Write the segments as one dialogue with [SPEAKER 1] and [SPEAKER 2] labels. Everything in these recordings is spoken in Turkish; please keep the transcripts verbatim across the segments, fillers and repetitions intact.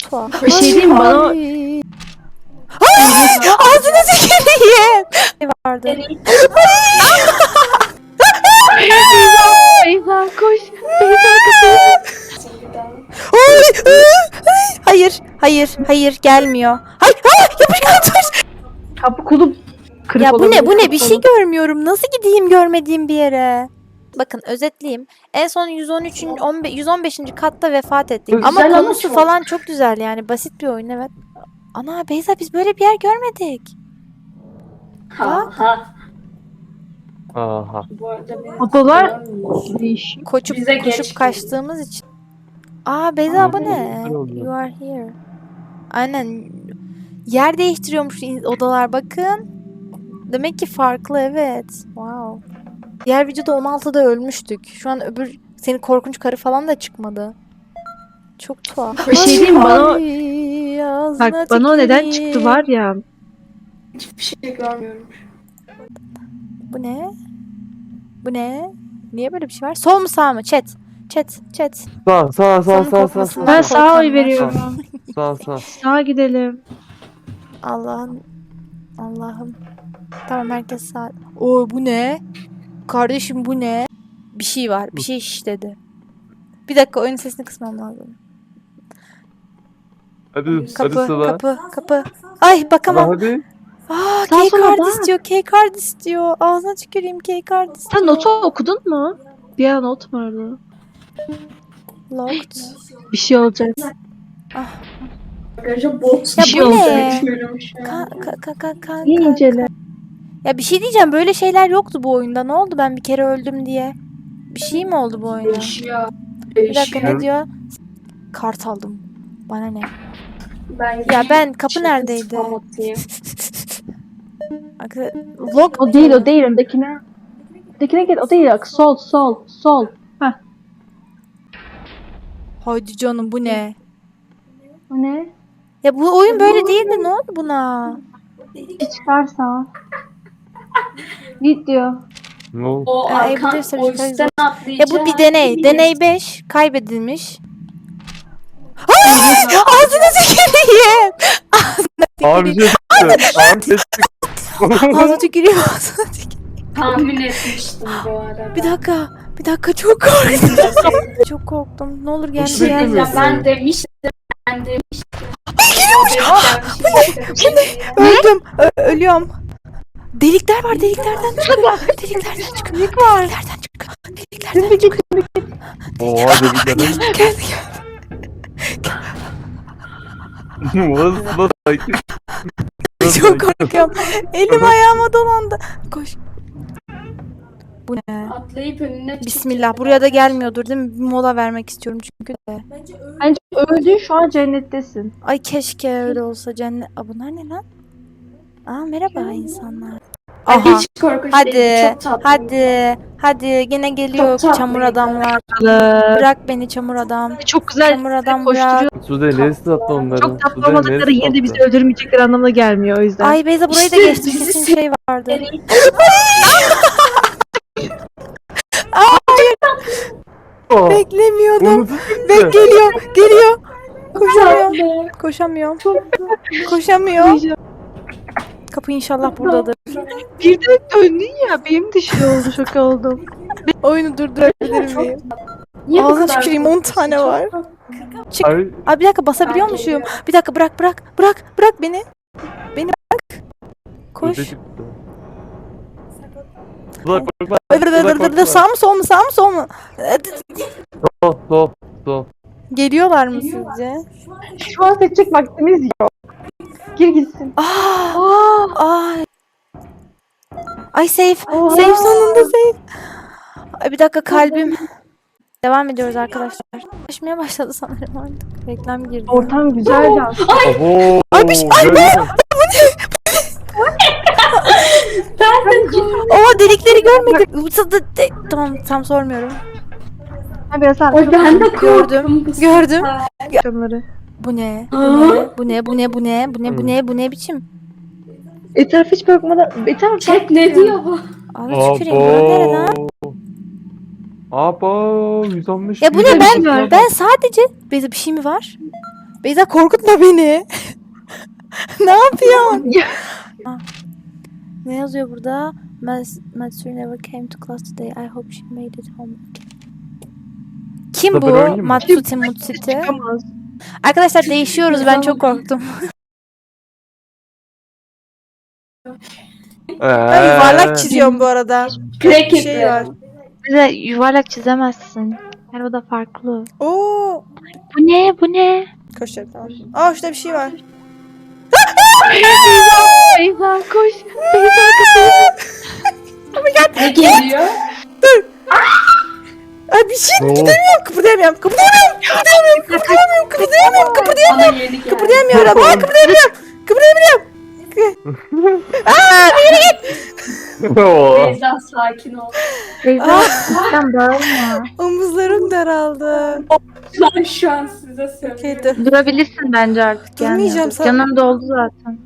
[SPEAKER 1] tuhaf.
[SPEAKER 2] Bir şey diyeyim mi bana?
[SPEAKER 1] Ay. Ay! Ağzına tüküreyim. Ne vardı?
[SPEAKER 2] Beyza koş. Beyza kapıyı.
[SPEAKER 1] Ay, ay, ay. Hayır, hayır, hayır gelmiyor. Hayır, hayır yapışkan dur.
[SPEAKER 2] Kapı kulüp kırık
[SPEAKER 1] Ya bu ne,
[SPEAKER 2] olabilir,
[SPEAKER 1] bu ne?
[SPEAKER 2] kapı
[SPEAKER 1] Bir şey
[SPEAKER 2] kulüp.
[SPEAKER 1] görmüyorum. Nasıl gideyim görmediğim bir yere? Bakın özetleyeyim. En son yüz on üçüncü. on beş yüz on beşinci katta vefat ettik.
[SPEAKER 3] Güzel
[SPEAKER 1] ama
[SPEAKER 3] ama
[SPEAKER 1] konusu
[SPEAKER 3] çok.
[SPEAKER 1] falan çok güzel yani. Basit bir oyun evet. Ana Beyza biz böyle bir yer görmedik.
[SPEAKER 3] Ha ha.
[SPEAKER 4] Aha.
[SPEAKER 3] Bu arada benim
[SPEAKER 2] Odalar
[SPEAKER 3] hatırlamıyorum.
[SPEAKER 2] değişik.
[SPEAKER 1] Koşup
[SPEAKER 3] Bize
[SPEAKER 1] koşup
[SPEAKER 3] geç
[SPEAKER 1] kaçtığımız için. Aa Beyza bu
[SPEAKER 4] Aa,
[SPEAKER 1] ne?
[SPEAKER 4] güzel oldu.
[SPEAKER 1] You are here. Aynen. Yer değiştiriyormuş in- odalar bakın. Demek ki farklı evet. Wow. Diğer videoda on altıda ölmüştük. Şu an öbür senin korkunç karı falan da çıkmadı. Çok tuhaf.
[SPEAKER 2] Bir şey diyeyim mi bana?
[SPEAKER 1] Ay, ağzına
[SPEAKER 2] Bak bana o neden
[SPEAKER 1] tüküreyim.
[SPEAKER 2] çıktı var ya.
[SPEAKER 3] Hiçbir şey görmüyorum.
[SPEAKER 1] Bu ne? Bu ne? Niye böyle bir şey var? Sol mu sağ mı? Chat. Chat. Chat.
[SPEAKER 4] Sağ sağ sağ
[SPEAKER 1] Sonun
[SPEAKER 4] sağ sağ
[SPEAKER 1] kokmasından
[SPEAKER 2] Ben
[SPEAKER 4] sağ
[SPEAKER 2] sağa oy
[SPEAKER 1] korkanlar.
[SPEAKER 2] veriyorum.
[SPEAKER 4] sağ sağ.
[SPEAKER 2] Sağa gidelim.
[SPEAKER 1] Allah'ım. Allah'ım. Tamam herkes sağ. Oo bu ne? Kardeşim bu ne? Bir şey var. Bir şey şişledi. Bir dakika oyun sesini kısmam lazım.
[SPEAKER 4] Hadi hadi
[SPEAKER 1] Kapı,
[SPEAKER 4] sıra.
[SPEAKER 1] kapı, kapı. Ay bakamam.
[SPEAKER 4] Hadi.
[SPEAKER 1] Aa,
[SPEAKER 2] Sağ
[SPEAKER 1] key
[SPEAKER 2] sola
[SPEAKER 1] card
[SPEAKER 2] bak.
[SPEAKER 1] istiyor, key card istiyor. Ağzına tüküreyim key card istiyor.
[SPEAKER 2] Sen notu okudun mu? Bir an not vardı.
[SPEAKER 1] Locked.
[SPEAKER 2] Bir şey olacak.
[SPEAKER 3] Arkadaşlar bot
[SPEAKER 1] Ya
[SPEAKER 2] şey
[SPEAKER 1] bu
[SPEAKER 2] oldu.
[SPEAKER 1] ne?
[SPEAKER 3] görüyorum şu an.
[SPEAKER 1] Ka ka ka ka ka
[SPEAKER 2] İyi
[SPEAKER 1] ka-
[SPEAKER 2] incele.
[SPEAKER 1] Ya bir şey diyeceğim böyle şeyler yoktu bu oyunda. Ne oldu ben bir kere öldüm diye? Bir şey mi oldu bu oyunda?
[SPEAKER 3] Değişiyor.
[SPEAKER 1] Bir dakika
[SPEAKER 3] Değişiyor.
[SPEAKER 1] ne diyor? Kart aldım. Bana ne?
[SPEAKER 3] Ben
[SPEAKER 1] Ya ben kapı
[SPEAKER 3] Şimdi
[SPEAKER 1] neredeydi?
[SPEAKER 3] spam atayım.
[SPEAKER 1] Arkadaşlar, lock
[SPEAKER 2] O değil o değil öndekine. Öndekine gel o değil bak sol sol sol.
[SPEAKER 1] Haydi canım bu ne?
[SPEAKER 2] O ne?
[SPEAKER 1] Ya bu oyun böyle değildi. Ne oldu buna?
[SPEAKER 2] Bir çıkarsa. Git diyor.
[SPEAKER 4] Ne oldu?
[SPEAKER 3] O
[SPEAKER 1] Ee,
[SPEAKER 3] arkan
[SPEAKER 1] Evil
[SPEAKER 3] o
[SPEAKER 1] Surgical
[SPEAKER 3] üstten
[SPEAKER 1] Ya
[SPEAKER 3] atlayacak.
[SPEAKER 1] bu bir deney. Deney beş kaybedilmiş. Ay! Ağzına tüküreyim.
[SPEAKER 4] Abi bir şey çıktı. Abi bir şey çıktı.
[SPEAKER 1] Ağzına tüküreyim. Ağzına tüküreyim.
[SPEAKER 3] Tahmin etmiştim bu arada.
[SPEAKER 1] Bir dakika. Bir dakika çok korktum. Çok korktum. Ne olur gel
[SPEAKER 4] Hiç
[SPEAKER 1] gel.
[SPEAKER 4] beklemiyorsun.
[SPEAKER 3] Ya ben demiştim. Ben demiştim.
[SPEAKER 1] Öldüm. Ö- ölüyorum. Delikler var. Deliklerden çıkıyor. Deliklerden çıkıyor. Delik var. Deliklerden çıkıyor. Deliklerden çıkıyor.
[SPEAKER 4] Oha dediklerim.
[SPEAKER 1] Geldi geldi.
[SPEAKER 4] Nasıl nasıl sakin.
[SPEAKER 1] Çok korkuyorum. Elim ayağıma dolandı. Koş. Bu ne?
[SPEAKER 3] Atlayıp önüne
[SPEAKER 1] Bismillah. Buraya da gelmiyordur değil mi? Bir mola vermek istiyorum çünkü de.
[SPEAKER 2] Bence öldün şu an cennettesin.
[SPEAKER 1] Ay keşke öyle olsa cennet. Aa, bunlar ne lan? Aa merhaba insanlar.
[SPEAKER 3] Aha.
[SPEAKER 1] Aha.
[SPEAKER 3] Hiç korkunç
[SPEAKER 1] Hadi.
[SPEAKER 3] değil. Çok tatlı.
[SPEAKER 1] Hadi. Hadi yine geliyor
[SPEAKER 3] Çok tatlı.
[SPEAKER 1] çamur adamlar.
[SPEAKER 2] Ee,
[SPEAKER 1] Bırak beni çamur adam.
[SPEAKER 2] Çok güzel
[SPEAKER 1] Çamur adam bırak.
[SPEAKER 2] koşturuyor.
[SPEAKER 4] Sude neresi tatlı onların?
[SPEAKER 2] Çok tatlı
[SPEAKER 4] Sude
[SPEAKER 2] olmadıkları
[SPEAKER 4] neresi
[SPEAKER 2] yine de bizi
[SPEAKER 4] tatlı?
[SPEAKER 2] öldürmeyecekleri anlamına gelmiyor o yüzden.
[SPEAKER 1] Ay Beyza burayı da
[SPEAKER 3] İşte
[SPEAKER 1] geçtim.
[SPEAKER 3] bizi
[SPEAKER 1] Kesin şey vardı.
[SPEAKER 4] Aa,
[SPEAKER 1] Beklemiyordum.
[SPEAKER 4] unuttum
[SPEAKER 1] Bek
[SPEAKER 4] gitti.
[SPEAKER 1] geliyor. Geliyor. Koşamıyorum.
[SPEAKER 3] Tatlı.
[SPEAKER 1] Koşamıyorum. Koşamıyorum. Kapı inşallah buradadır.
[SPEAKER 2] Birden döndün ya benim de şey oldu şok oldum.
[SPEAKER 1] Oyunu durdurabilir miyim?
[SPEAKER 3] Niye bu
[SPEAKER 1] Ağzına
[SPEAKER 3] kadar
[SPEAKER 1] tüküreyim, on
[SPEAKER 3] korkunç?
[SPEAKER 1] tane
[SPEAKER 3] Çok
[SPEAKER 1] var.
[SPEAKER 3] tatlı.
[SPEAKER 1] Çık.
[SPEAKER 4] Ay,
[SPEAKER 1] Abi bir dakika basabiliyor
[SPEAKER 3] Ben
[SPEAKER 1] muyum?
[SPEAKER 3] geliyorum.
[SPEAKER 1] Bir dakika bırak bırak. Bırak bırak beni. Beni bırak. Koş.
[SPEAKER 4] Sude çıktı. Sude korkma.
[SPEAKER 1] Dır dır
[SPEAKER 4] Sude
[SPEAKER 1] dır dır dır.
[SPEAKER 4] korkma.
[SPEAKER 1] Sağ mı sol mu sağ mı sol mu?
[SPEAKER 4] Sol sol sol.
[SPEAKER 1] Geliyorlar mı sizce?
[SPEAKER 2] Şu an seçecek vaktimiz yok. Gir gitsin.
[SPEAKER 1] Aa, ay. Ay safe.
[SPEAKER 2] Oha.
[SPEAKER 1] Safe sonunda safe. Ay bir dakika kalbim. Devam ediyoruz arkadaşlar. Koşmaya başladı sanırım artık. Reklam girdi.
[SPEAKER 2] Ortam güzeldi aslında.
[SPEAKER 4] Abo.
[SPEAKER 1] Ay, bir şey- ay,
[SPEAKER 4] görüyor musun?
[SPEAKER 3] Ben de korktum.
[SPEAKER 1] Oha delikleri görmedim. Tamam tam sormuyorum.
[SPEAKER 2] Ha, biraz
[SPEAKER 3] Oy
[SPEAKER 2] arkadaşlar.
[SPEAKER 3] ben de korktum.
[SPEAKER 1] Gördüm,
[SPEAKER 3] bu
[SPEAKER 1] gördüm.
[SPEAKER 3] sefer.
[SPEAKER 2] Akşamları.
[SPEAKER 1] Bu ne? Bu
[SPEAKER 3] Aa.
[SPEAKER 1] ne? Bu ne? Bu ne? Bu ne? Bu ne? Bu ne? Bu ne biçim?
[SPEAKER 2] Etraf hiç bakmadan. Etraf
[SPEAKER 3] Chat ne diyor bu?
[SPEAKER 1] Ağzına tüküreyim. Bura nere lan?
[SPEAKER 4] Abo. yüz on beş.
[SPEAKER 1] Ya bu ne
[SPEAKER 4] yüz on beş
[SPEAKER 1] ben
[SPEAKER 4] ya.
[SPEAKER 1] ben sadece Beyza bir şey mi var? Beyza korkutma beni. Ne yapıyorsun? Ah. Ne yazıyor burada? Mas Matsuri never came to class today. I hope she made it home. Kim
[SPEAKER 4] Da ben
[SPEAKER 1] bu?
[SPEAKER 4] oynayayım mı?
[SPEAKER 1] Matsuti Mutsuti.
[SPEAKER 2] Çıkamaz.
[SPEAKER 1] Arkadaşlar değişiyoruz. Ben çok korktum. Ben
[SPEAKER 4] Eee.
[SPEAKER 1] yuvarlak çiziyorum bu arada.
[SPEAKER 3] Crack
[SPEAKER 1] Bir şey var.
[SPEAKER 5] Bize yuvarlak çizemezsin. Yani o da farklı.
[SPEAKER 1] Oo.
[SPEAKER 5] Bu ne? Bu ne?
[SPEAKER 1] Koşacağım tamam. Aa şurada bir şey var.
[SPEAKER 5] Beyza koş.
[SPEAKER 3] Ne geliyor?
[SPEAKER 1] Ay bir şey
[SPEAKER 4] Ne oldu?
[SPEAKER 1] gidemiyorum. Kıpırdayamıyorum. Kıpırdayamıyorum. Kıpırdayamıyorum. Kıpırdayamıyorum. Kıpırdayamıyorum.
[SPEAKER 3] Bana yeni geldi.
[SPEAKER 1] Kıpırdayamıyorum. Aa kıpırdayamıyorum. Kıpırdayamıyorum. Aa yürü git.
[SPEAKER 4] Oo.
[SPEAKER 3] Beyza sakin ol.
[SPEAKER 5] Beyza sen bağırma.
[SPEAKER 1] Omuzlarım daraldı.
[SPEAKER 3] Ben şu an size söylüyorum.
[SPEAKER 1] Okey dur.
[SPEAKER 5] Durabilirsin bence artık. Yani.
[SPEAKER 1] Durmayacağım, sen-
[SPEAKER 5] Canım doldu zaten.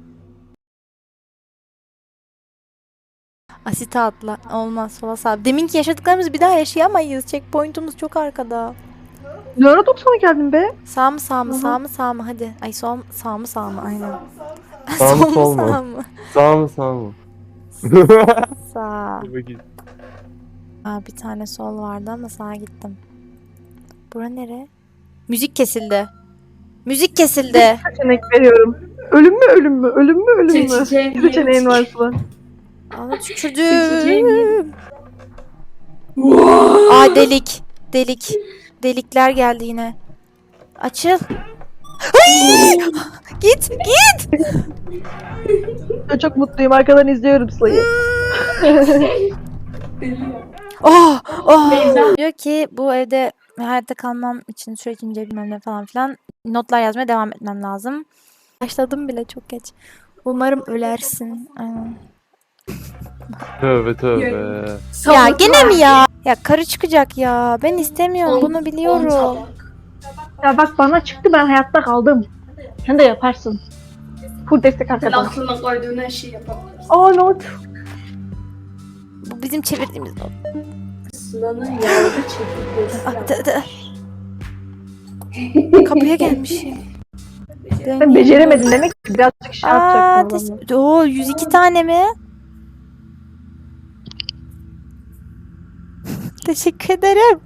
[SPEAKER 1] Asite atla. Olmaz sola sağ. Deminki yaşadıklarımızı bir daha yaşayamayız. Checkpoint'umuz çok arkada.
[SPEAKER 2] Ne ara doksan'a geldin be?
[SPEAKER 1] Sağ mı sağ mı sağ mı sağ mı hadi. Ay sol sağ mı sağ mı aynen.
[SPEAKER 4] Sağ mı,
[SPEAKER 1] Sol
[SPEAKER 4] sol mu?
[SPEAKER 1] sağ mı?
[SPEAKER 4] Sağ mı sağ mı?
[SPEAKER 1] Sağ.
[SPEAKER 4] Dur bakayım.
[SPEAKER 1] Aa, bir tane sol vardı ama sağa gittim. Bura nere? Müzik kesildi. Müzik kesildi.
[SPEAKER 2] Seçenek veriyorum. Ölüm mü ölüm mü? Ölüm mü ölüm mü?
[SPEAKER 3] Seçeceğim
[SPEAKER 2] Bir seçeneğin varsa.
[SPEAKER 1] Aa
[SPEAKER 3] Seçeceğim
[SPEAKER 1] tükürdüm. Aa delik. Delik. Delikler geldi yine. Açıl. Ay! Git git.
[SPEAKER 2] Ben çok mutluyum. Arkadan izliyorum Sıla'yı.
[SPEAKER 3] Geliyor.
[SPEAKER 1] Oh, oh.
[SPEAKER 3] Beyza.
[SPEAKER 1] Diyor ki bu evde hayatta kalmam için sürekli ince bilmem ne falan filan notlar yazmaya devam etmem lazım. Başladım bile çok geç. Umarım ölersin. Aynen.
[SPEAKER 4] Tövbe tövbe.
[SPEAKER 1] Ya
[SPEAKER 3] Sabah
[SPEAKER 1] gene mi
[SPEAKER 3] var.
[SPEAKER 1] ya? Ya karı çıkacak ya. Ben istemiyorum.
[SPEAKER 3] On-
[SPEAKER 1] Bunu
[SPEAKER 3] on
[SPEAKER 1] biliyorum.
[SPEAKER 3] tabak.
[SPEAKER 2] Ya bak bana çıktı, ben hayatta kaldım. Sen de yaparsın. Full destek
[SPEAKER 3] Sen
[SPEAKER 2] arkadan.
[SPEAKER 3] aklına koyduğun her şeyi yapabilirsin.
[SPEAKER 2] Aa not.
[SPEAKER 1] Bu bizim çevirdiğimiz not.
[SPEAKER 3] Sıla'nın yavru çekirgesi.
[SPEAKER 1] Ah, dı- dı. Kapıya gelmişim.
[SPEAKER 2] Sen beceremedin demek ki, birazcık şey
[SPEAKER 1] Aa,
[SPEAKER 2] yapacaksın.
[SPEAKER 1] tes- Oo, yüz iki tane mi? Teşekkür ederim.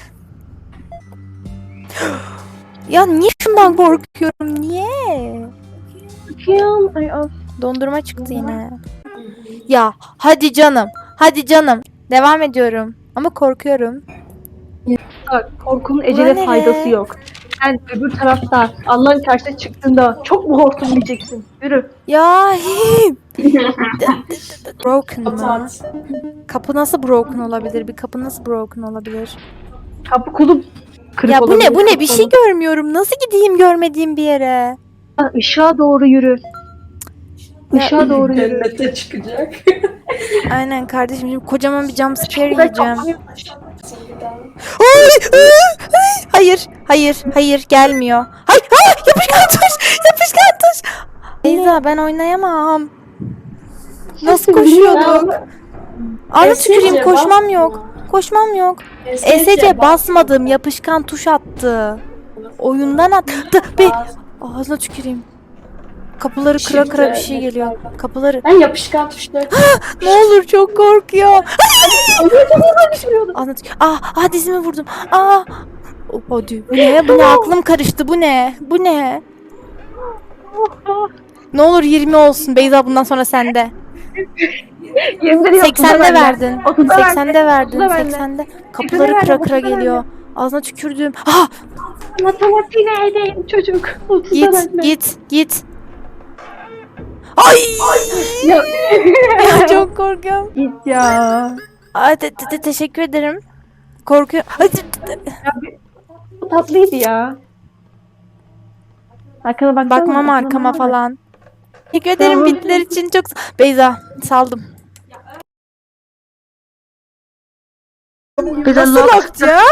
[SPEAKER 1] Ya niye şundan korkuyorum? Niye?
[SPEAKER 2] Bakayım. Ay of.
[SPEAKER 1] Dondurma çıktı yine. Ya hadi canım. Hadi canım. Devam ediyorum. Ama korkuyorum.
[SPEAKER 2] Bak, korkunun
[SPEAKER 1] Ulan
[SPEAKER 2] ecele
[SPEAKER 1] nere?
[SPEAKER 2] faydası yok. Sen öbür tarafta Allah'ın karşısına çıktığında çok mu hortum diyeceksin? Yürü.
[SPEAKER 1] Ya him. Broken mı?
[SPEAKER 3] Kapat.
[SPEAKER 1] Kapı nasıl broken olabilir? Bir kapı nasıl broken olabilir?
[SPEAKER 2] Kapı kulu kırık
[SPEAKER 1] Ya bu
[SPEAKER 2] olabilir,
[SPEAKER 1] ne? Bu ne? Bir
[SPEAKER 2] kapı
[SPEAKER 1] şey
[SPEAKER 2] olur.
[SPEAKER 1] görmüyorum. Nasıl gideyim görmediğim bir yere?
[SPEAKER 2] Ha, Işığa doğru yürü.
[SPEAKER 1] Ya-
[SPEAKER 2] Işığa doğru yürü.
[SPEAKER 3] Cennete çıkacak.
[SPEAKER 1] Aynen kardeşim. Şimdi kocaman bir jump scare
[SPEAKER 2] Şurada
[SPEAKER 1] yiyeceğim.
[SPEAKER 2] kapıyı-
[SPEAKER 1] Ay, ay, ay. Hayır, hayır, hayır gelmiyor. Hayır, hayır, yapışkan tuş, yapışkan tuş. Beyza ben oynayamam. Nasıl koşuyorduk? Anı
[SPEAKER 3] E S C
[SPEAKER 1] tüküreyim koşmam
[SPEAKER 3] basma.
[SPEAKER 1] yok. Koşmam yok.
[SPEAKER 3] E
[SPEAKER 1] E S C basmadım, yapışkan tuş attı. Oyundan attı. Be ağzına tüküreyim. Kapıları kıra kıra bir şey geliyor. Kapıları.
[SPEAKER 3] Ben yapışkan tuşları.
[SPEAKER 1] Ne olur çok korkuyor. Anlat. Ah, ah dizimi vurdum. Ah. Oh, hadi. Bu ne? Bu ne? Aklım karıştı. Bu ne? Bu ne? Ne olur yirmi olsun. Beyza bundan sonra sende.
[SPEAKER 2] Yemin ederim
[SPEAKER 1] seksende
[SPEAKER 2] otuzda
[SPEAKER 1] verdin.
[SPEAKER 2] bende. otuzda bende.
[SPEAKER 1] seksende verdin.
[SPEAKER 2] otuzda bende.
[SPEAKER 1] seksende. Kapıları
[SPEAKER 2] verdim,
[SPEAKER 1] kıra kıra
[SPEAKER 2] otuzda
[SPEAKER 1] geliyor. Ağzına tükürdüm. Ah!
[SPEAKER 2] Matematiğine edeyim çocuk. otuzda
[SPEAKER 1] Git,
[SPEAKER 2] bende.
[SPEAKER 1] git, git. Ay!
[SPEAKER 2] Ya,
[SPEAKER 1] Ya çok korkuyorum.
[SPEAKER 2] git ya.
[SPEAKER 1] Ay, te- te- te- teşekkür ederim. Korkuyorum. Ay, te- te- te-
[SPEAKER 2] Bu tatlıydı ya. Arkana baksana.
[SPEAKER 1] Bakmam
[SPEAKER 2] arkana
[SPEAKER 1] arkama
[SPEAKER 2] bak.
[SPEAKER 1] falan. Teşekkür ederim
[SPEAKER 2] Tamam.
[SPEAKER 1] bilgiler için çok sa- Beyza saldım.
[SPEAKER 5] Beyza
[SPEAKER 1] Nasıl
[SPEAKER 5] lock.
[SPEAKER 1] baktı ya?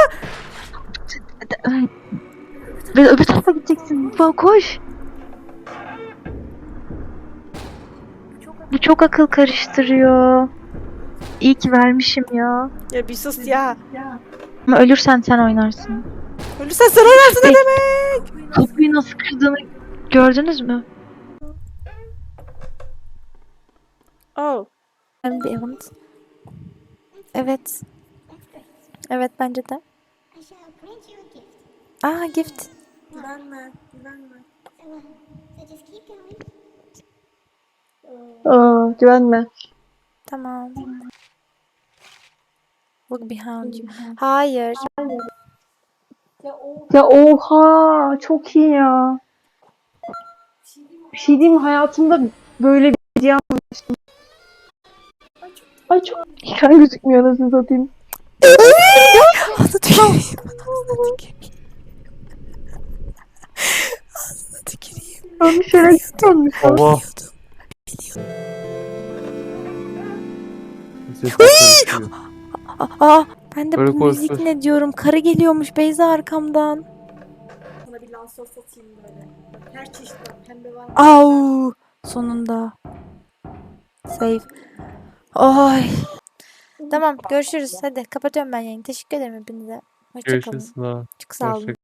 [SPEAKER 5] Beyza öbür tarafa gideceksin. Bak koş. Bu çok akıl karıştırıyor. İyi ki vermişim ya.
[SPEAKER 1] Ya bir sus ya.
[SPEAKER 5] Ama ölürsen sen oynarsın.
[SPEAKER 1] Ölürsen sen oynarsın ne demek?
[SPEAKER 5] Kapıyı nasıl kırdığını gördünüz mü?
[SPEAKER 1] Oh. Ambient. Evet. Evet bence de. Aa gift.
[SPEAKER 3] Güvenme, güvenme.
[SPEAKER 2] Aa, güvenme.
[SPEAKER 1] Tamam. Look behind you. Hayır.
[SPEAKER 3] Ya o
[SPEAKER 2] Ya oha çok iyi ya. Bir şey diyeyim mi? Hayatımda böyle bir video almamıştım. Ay çok ekran gözükmüyor nasıl satayım.
[SPEAKER 1] Ağzına tüküreyim. Ağzına tüküreyim. Ağzına tüküreyim.
[SPEAKER 2] Ben bir şeyler yapmamış.
[SPEAKER 4] Allah. Ses karışıyor.
[SPEAKER 1] Aa, ben de
[SPEAKER 4] Böyle
[SPEAKER 1] bu
[SPEAKER 4] konuşuyorsun.
[SPEAKER 1] müzik ne diyorum? Karı geliyormuş Beyza arkamdan.
[SPEAKER 3] sana bir lansör satayım böyle. Her çeşit var. Pembe var.
[SPEAKER 1] Au! Sonunda. Save. Oy. Tamam görüşürüz. Hadi kapatıyorum ben yayını. Teşekkür ederim hepinize. Hoşçakalın.
[SPEAKER 4] Görüşürüz. Sıla.
[SPEAKER 1] Çok sağ olun.
[SPEAKER 4] Hoşça